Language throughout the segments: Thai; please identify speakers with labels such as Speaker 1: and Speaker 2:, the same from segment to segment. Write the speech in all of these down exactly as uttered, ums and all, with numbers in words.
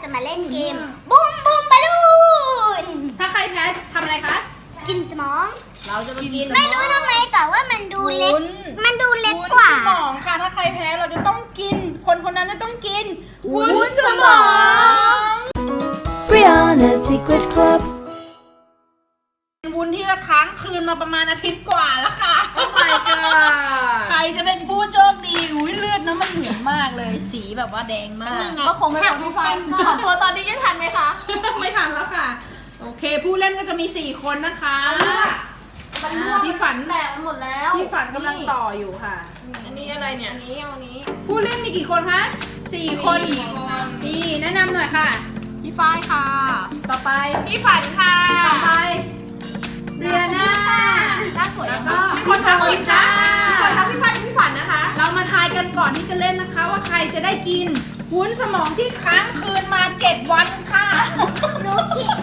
Speaker 1: มาเล่นเกมบูมบูมบอลลูน
Speaker 2: ถ้าใครแพ้ทำอะไรคะ
Speaker 1: กินสมอง
Speaker 2: เราจะมากิน
Speaker 1: ไม่รู้ทำไมแต่ว่ามันดูเล็กมันดูเล็กกว่า
Speaker 2: วุ้นสมองค่ะถ้าใครแพ้เราจะต้องกินคนคนนั้นจะต้องกินวุ้นสมอง
Speaker 3: Brianna's Secret Club
Speaker 2: วุ้นที่ละค้างคืนมาประมาณอาทิตย์กว่าแล้วค่ะ
Speaker 4: Oh my god
Speaker 2: ใครจะเป็นผู้โชคดีอุ้ยเลือดน้ำมันเหนียวมากเลยสีแบบว่าแดงมาก
Speaker 4: ก็คงไม่พอพี่ฟันถอนตัวตอนนี้ยังทันไหมคะ
Speaker 2: ไม่ทันแล้วค่ะโอเคผู้เล่นก็จะมีสี่คนนะคะ
Speaker 4: มันร่วง
Speaker 2: พี่ฝัน
Speaker 4: แตกมันหมดแล้ว
Speaker 2: พี่ฝันกำลังต่ออยู่ค่ะอันนี้อะไรเนี่ย
Speaker 4: อันนี้เอาอันนี้
Speaker 2: ผู้เล่นมีกี่คนคะสี่คน
Speaker 4: สี่คน
Speaker 2: นี่แนะนำหน่อยค่ะ
Speaker 4: พี่ฝ้ายค่ะ
Speaker 2: ต่อไป
Speaker 4: พี่ฝันค่ะ
Speaker 2: ต่อไปเรียนา
Speaker 4: หน้าสวย
Speaker 2: แล้ว
Speaker 4: มา
Speaker 2: ก็
Speaker 4: ก
Speaker 2: มีคนทำอีกจ้า
Speaker 4: คนทำพี่ฝ้ายพี่ฝันนะคะ
Speaker 2: เรามาทายกันก่อนที่จะเล่นนะคะ ว่าใครจะได้กินวุ้นสมองที่ค้างคืนมาเจ็ดวันค่ะ
Speaker 1: รู้ผิด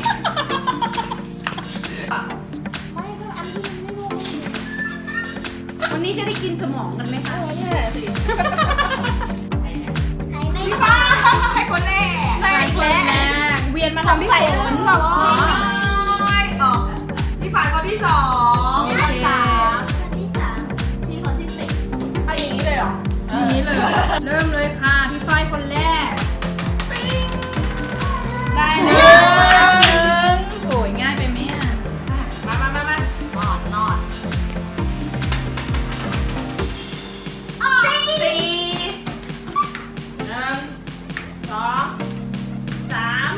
Speaker 4: ไม่ก็อันที่มันไม่ลง
Speaker 2: วันนี้จะได้กินสมองกันไหมคะ
Speaker 4: แย่สิ
Speaker 1: ใครไม่
Speaker 4: พี่
Speaker 1: รู้
Speaker 4: ฝ้ายใครคนแรก
Speaker 2: ใครคนแรกเวียนมาทำพี่ฝน
Speaker 4: หรออ๋อพี่ฝันคนที่สอง
Speaker 2: โอเค
Speaker 1: คนที่สาม
Speaker 4: พี่คนที่สิบเอาอย่างนี้เลยเหรอ
Speaker 2: ทีนี้เลย เริ่มเลยค่ะพี่ฝ้ายคนแรกได้แล้วหนึ่งโอ้ยง่ายไปไหมอ่ะมามามามา
Speaker 4: นอดนอด
Speaker 2: สี่หนึ่งสองสาม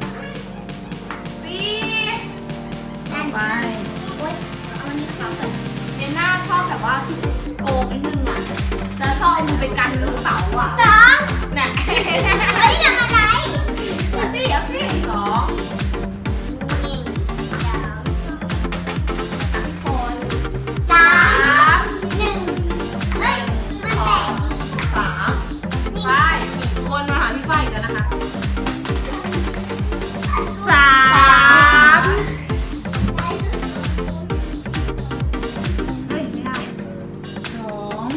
Speaker 2: สี่
Speaker 1: นั่น
Speaker 2: ไป
Speaker 1: โอ๊ยเอาอันนี้เขาก่อน
Speaker 4: เจนน่าชอบแบบว่าที่โกงนิดนึงอ่ะ จะชอบเอามือไปกันลูกเต๋าอ่ะ
Speaker 1: สอง
Speaker 4: น่ะ
Speaker 1: เฮ้ยทำอะไร
Speaker 4: เอาสิเอาสิสอง
Speaker 1: นี่สาม
Speaker 4: พี่คน
Speaker 1: สา
Speaker 4: สาม ม
Speaker 1: หนึ่งเฮ้ยมัน
Speaker 4: ส
Speaker 1: แต
Speaker 4: อก งสามฝ้ายสี่คนมาหาพี่ฝ้ายอีกแล้วนะคะ
Speaker 2: สาม
Speaker 4: เฮ้ย ไม่ได้
Speaker 2: สอง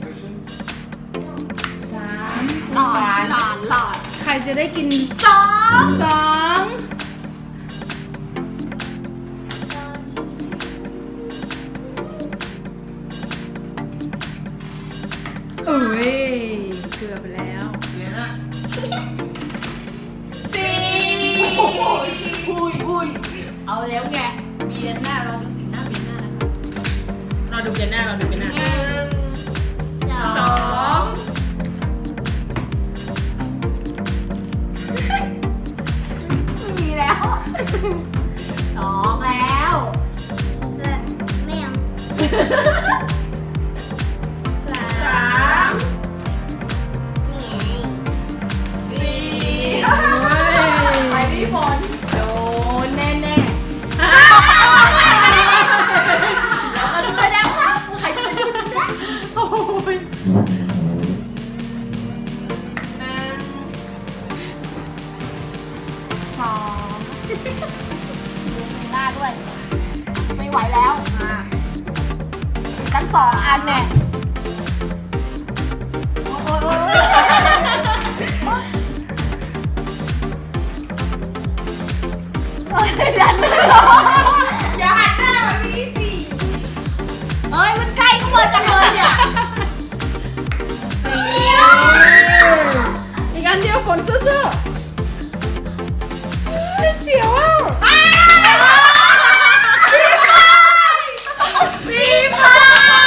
Speaker 2: สาม
Speaker 4: หลอดหลอดหลอด
Speaker 2: ใครจะได้กิน
Speaker 4: สอง
Speaker 2: สองเอ้ยเกือบไปแล้ว
Speaker 4: เหลือละ
Speaker 2: สี่
Speaker 4: โอ้โหอุ้ยอุ้ยเอาแล้วไงมีเดือนหน้าเราดูสีหน้าเป็นหน้านะคะ
Speaker 2: เราดูกันหน้าเราดูกันหน้า
Speaker 4: หนึ่ง
Speaker 2: สอง
Speaker 4: มีแล้วสองแล้ว
Speaker 1: ไม่เอา
Speaker 2: สา
Speaker 4: สาม ม
Speaker 1: นี่ไง
Speaker 4: สี่
Speaker 2: โอ้ย
Speaker 4: ไปพี่ฝนโดนแน่แน่
Speaker 2: อ่ะ
Speaker 4: แล้วก็ดูแล้ครับใครจะเป็นผู้ชนะ
Speaker 2: โอ้ย
Speaker 4: หนึ่งสองหน้าด้วย ไม่ไหวแล้วมาตั้งสองอันเนี่ยโอ้ยโอ้ยโอ้ยโอ้ยดันไม่ลงอย่าหันหน้าแบบนี้สิเอ้ยมันใกล้เข้ามาจังเลยเนี่ย
Speaker 2: อีกอันเดียวฝนสู้ๆเสียวอ่ะ
Speaker 4: พี่ฟ้า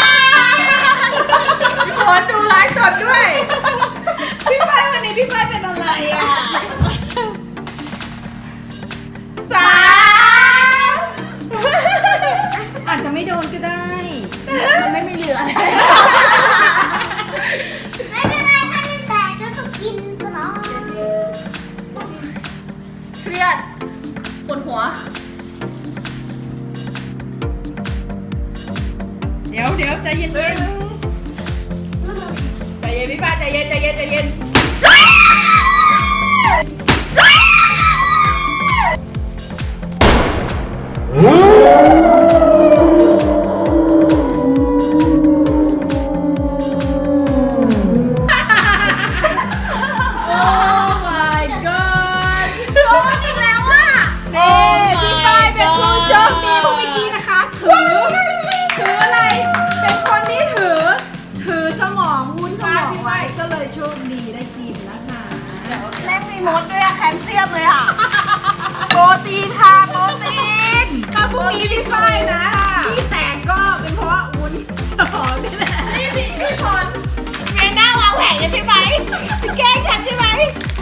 Speaker 4: พี่ฝนดูไลฟ์สดด้วย พี่ฟ้าวันนี้พี่ฟ้าเป็นอะไรอ่ะสาม
Speaker 2: อาจจะไม่โดนก็ได้
Speaker 4: มันไม่มีเหลือเลย
Speaker 1: ไม่เป็นไรถ้ามันแตกก็ต้องกินสมอง
Speaker 4: เครียดปวดหัว
Speaker 2: เดี๋ยวเดี๋ยวใจเย็น
Speaker 4: ใจเย็นพี่ฟ้าใจเย็นใจเย็นใจเย็นมดด้วยอะแคลเซียมเลยอะโปรตีนค่ะโปรตีน
Speaker 2: ถ้าพรุ่งนี้พี่ฝ้ายนะพี่แตกก็เป็นเพราะวุ้นสมองนี่แหละนี่พี่พี่พร
Speaker 4: เมย์หน้าวางแผนกันใช่ไหมแกล้งฉันใช่ไหม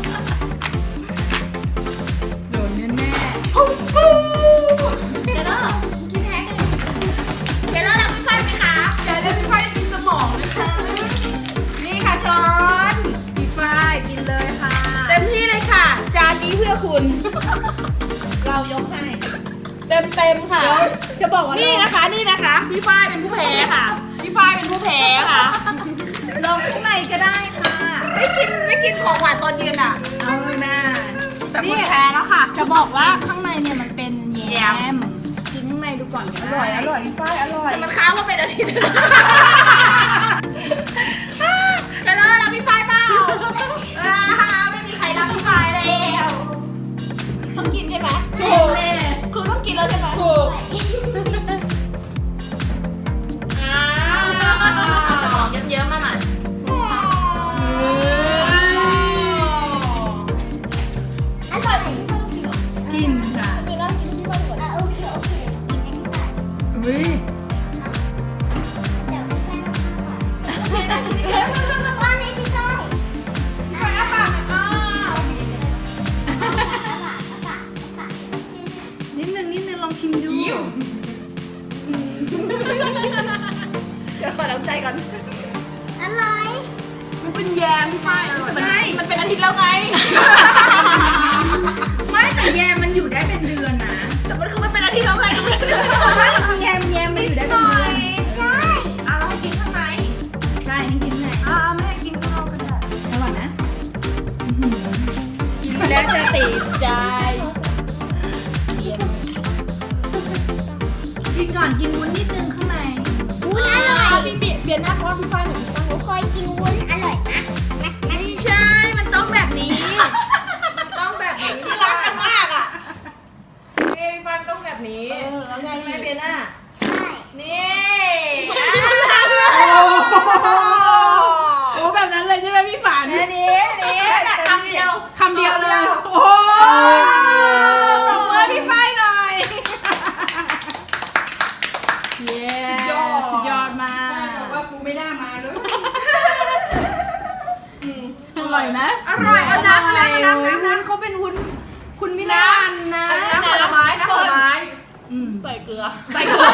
Speaker 2: โดนแน่
Speaker 4: ปุ๊บปุ๊บ
Speaker 1: เดี๋ยวเรากินแพ้กัน
Speaker 4: เดี๋ยวเราทำพี่ฝ้ายไหมคะ
Speaker 2: ๆอย่าได้พี่ฝ้ายกินสมองนะคะ
Speaker 4: นี่ค่ะช้อน
Speaker 2: พี่ฝ้ายกินเลยค่ะ
Speaker 4: เต็มที่เลยค่ะ จานนี้เพื่อคุณ เรายกให้ เต็มเต็มๆค่ะ
Speaker 2: จะบอกว่า
Speaker 4: นี่
Speaker 2: นี่
Speaker 4: นะคะนี่นะคะ พี่ฝ้ายเป็นผู้แพ้ค่ะ พี่ฝ้ายเป็นผู้แพ้ค่ะ
Speaker 2: ลองข้างในก็ได้ค่ะ
Speaker 4: ไม่กินไม่กินของหวานตอนเย็นอ่ะ
Speaker 2: เอาหน้า
Speaker 4: แต่คุณแพ้แล้วค่ะ
Speaker 2: จะบอกว่าข้างในเนี่ยมันเป็นแย
Speaker 4: แยม
Speaker 2: มกินข้างในดูก่อนอร่อยอร่อยพี่ฝ้ายอร่อย
Speaker 4: แต่มันค้างมาเป็นอาทิตย์จะเลิกแล้วพี่ฝ้ายเปล่าอ่าไม่มีใครรับพี่ฝ้ายแล้วต้องกินใช่ไหมถูกคือต้องกินแล้วใช่ไหมถูกอ่าเยิ้มๆมาหน่อย
Speaker 1: อร่อย
Speaker 2: กินค่ะ
Speaker 1: กินแล้วกินที่บ้านก่อนอ่ะโอเคโอเคกินอันนี้ก่อน
Speaker 2: อุ้ย
Speaker 1: เดี๋ยวพี่แป้งก้อนนี้พี่ก้อย
Speaker 4: อ่ะปากอ่ะ
Speaker 2: นิดนึงนิดนึงลองชิมดู
Speaker 4: เดี๋ยวขอน้ำใจก่อน
Speaker 1: อร่อย
Speaker 4: มันเป็นแยมพี่ฝ้ายแต่มันมันเป็นอาทิตย์แล้วไง
Speaker 2: ไม่แต่แยมมันอยู่ได้เป็นเดือนนะ
Speaker 4: แต่มันคือมันเป็นอาทิตย์แล้วไง
Speaker 2: แยมแยมมันอยู่ได้เป็นเดือน
Speaker 1: ใช่
Speaker 4: เอาเราให้กินข้างใน
Speaker 2: ใช่ให้กินไหน
Speaker 4: อ่าไม่ให้กินข้างนอกก็ได้
Speaker 2: อร่อยนะ
Speaker 4: กินแล้วจะติดใจ
Speaker 2: กินก่อนกินวุ้นนิดนึงข้างใน
Speaker 1: วุ้นอร่อย
Speaker 4: พี่เปลี่ยนเปลี่ยนหน้าเพราะว่าพี่ฝ้ายหนูพี่ฝ้าย
Speaker 1: หนูเคยกินวุ้นอร่อยนะ
Speaker 4: ไม่ใช่ มันต้องแบบนี้ ต้องแบบนี้คือรักกันมากอ่ะนี่พี่ฝ้ายต้องแบบนี้ เออ แล้วไงแม่เปลี่ยนหน้า
Speaker 1: ใช่
Speaker 4: นี่
Speaker 2: โอ้แบบนั้นเลยใช่ไหมพี่ฝัน
Speaker 4: อันนี้นี่คำเดียว
Speaker 2: คำเดียวเลย โอ้ตบมือพี่ฝ้ายหน่อยเย้
Speaker 4: สุดยอด
Speaker 2: สุดยอดมาก
Speaker 4: บอกว่ากูไม่น่ามาเลย
Speaker 2: อร่อยไหม
Speaker 4: อร่อยเอาน้ำเอาน้ำเอาน้ำ
Speaker 2: โอ้ย
Speaker 4: น้ำ
Speaker 2: วุ้นเขาเป็นวุ้นคุณมิลานนะ
Speaker 4: น้ำผลไม้น้ำผลไม้
Speaker 2: อืม
Speaker 4: ใส่เกลือ
Speaker 2: ใส่เกลือ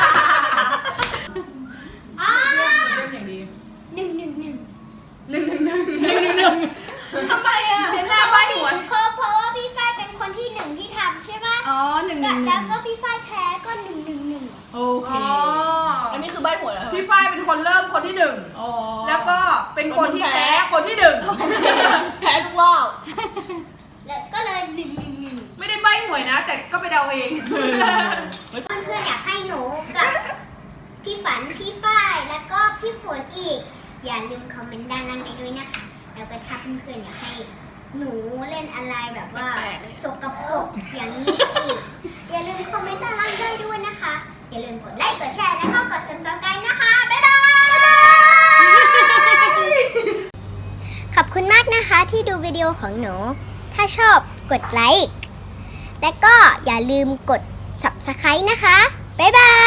Speaker 1: อ้า
Speaker 4: เรื่องอย่างดี
Speaker 1: หนึ่งหนึ่งหนึ่ง
Speaker 2: หนึ่งหนึ่งหนึ่งหนึ่งหนึ่งหนึ่ง
Speaker 4: ทำไมอ่ะ
Speaker 2: เดี๋ยวหน้าใบหัว
Speaker 1: เพราะเพราะว่าพี่ฝ้ายเป็นคนที่หนึ่งที่ทำใช่ไหม
Speaker 2: อ๋อหนึ่งหนึ่งห
Speaker 1: แล้
Speaker 2: นึ่
Speaker 1: ว
Speaker 2: ง
Speaker 1: ก็พี่ฝ้ายแพ้ก็หนึ่งหนึ่งหนึ่ง
Speaker 2: โอเค
Speaker 4: อันนี้คือใบหวยเหรอพี่ฝ้ายเป็นคนเริ่มคนที่หนึ่ง
Speaker 2: อ๋อ
Speaker 4: แล้วก็เป็นคนที่แพ้คนที่หนึ่งแพ้ทุกรอบ
Speaker 1: แล้วก็เลยหนึ่งหนึ่งหนึ่ง
Speaker 4: ไม่ได้ใบหวยนะ แต่ก็ไปเดาเอง
Speaker 1: เพื่อนๆอยากให้หนูกับพี่ฝันพี่ฝ้ายแล้วก็พี่ฝนอีก อย่าลืมคอมเมนต์ด้านล่างไปด้วยนะคะแล้วก็ถ้าเพื่อนๆอยากให้หนูเล่นอะไรแบบว่า
Speaker 4: แปลก
Speaker 1: สกปรกอย่างนี้อีกอย่าลืมคอมเมนต์ด้านล่างได้ด้วยนะคะ อย่าลืมกดไลค์กดแชร์แล้วก็กด ซับสไครบ์ นะคะบ๊ายบายขอบคุณมากนะคะที่ดูวิดีโอของหนู ถ้าชอบกดไลค์และก็อย่าลืมกด ซับสไครบ์ นะคะบ๊ายบาย